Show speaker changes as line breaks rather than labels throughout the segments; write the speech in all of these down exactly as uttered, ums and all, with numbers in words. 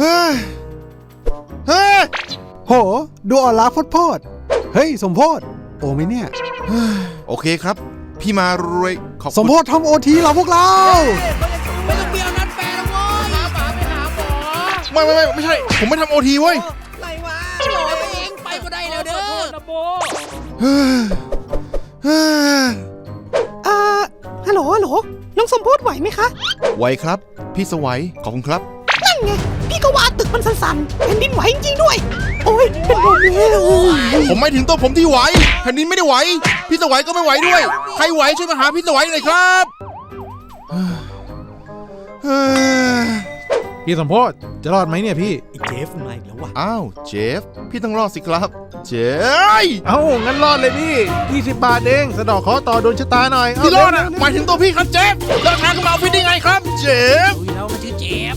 ฮ้ยเฮ้ยโหดูอ่อนล้าโพดๆเฮ้ยสมโพธโอไหมเนี่ยโอเคครับพี่มารวยขอบคุณสมโพธทำโอทีเราพวกเรา
ไม่ต้องเบี้ยวนัดแฟนนะเว้ยหาหมาไปหาหมอ
ไม่ไม่ไม่ไม่ใช่ผมไม่ทำโอทีเว้ย
อะไรวะหลอตัวเองไปก็ได้แล้วเด้อนะโบ
อ่าฮัลโหลฮัลโหลน้องสมโพธไหวไหมคะ
ไหวครับพี่สวัยขอบคุณครับ
นั่นไงพี่ก็ว่าตึกมันสั่นๆแผ่นดินไหวจริงๆด้วยโอ้ยเป็นลมแล้ว
ผมไม่ถึงตัวผมที่ไหวแผ่นดินไม่ได้ไหวพี่สวัยก็ไม่ไหวด้วยใครไหวช่วยมาหาพี่สวัยหน่อยครับ
พี่สมโพธจะรอดไหมเนี่ยพี่
เจฟมาอีกแล้ววะ
อ้าวเจฟพี่ต้องรอดสิครับเจฟ
เอ้างั้นรอดเลยพี่ยี่สิบบาทเองสะดอกขอต่อโดนชะตาหน่อย
พี่รอดอ่ะหมายถึงตัวพี่ครับเจฟเดินทางขึ้นมาเอาพี่ได้ไงครับเจฟ
ดูแล้วมันชื่อเจฟ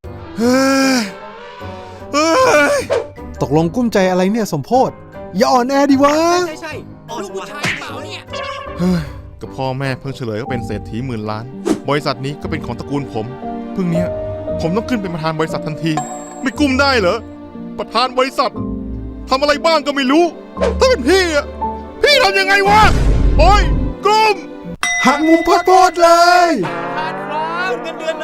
ตกลงกุ้มใจอะไรเนี่ยสมโพธอย่าอ่อนแอดิวะ
ใช่ใช่ลูกผู้ชายเปล่าเนี่ย
เฮ้ยกับพ่อแม่เพิ่งเฉลยก็เป็นเศรษฐีหมื่นล้านบริษัทนี้ก็เป็นของตระกูลผมเพิ่งเนี้ยผมต้องขึ้นเป็นประธานบริษัททันทีไม่กุ้มได้เหรอประธานบริษัททำอะไรบ้างก็ไม่รู้ถ้าเป็นพี่อ่ะพี่ทำยังไงวะโอ้ยกุ้มหักมุมโพดๆเลย
ประธานครับเงินเดือน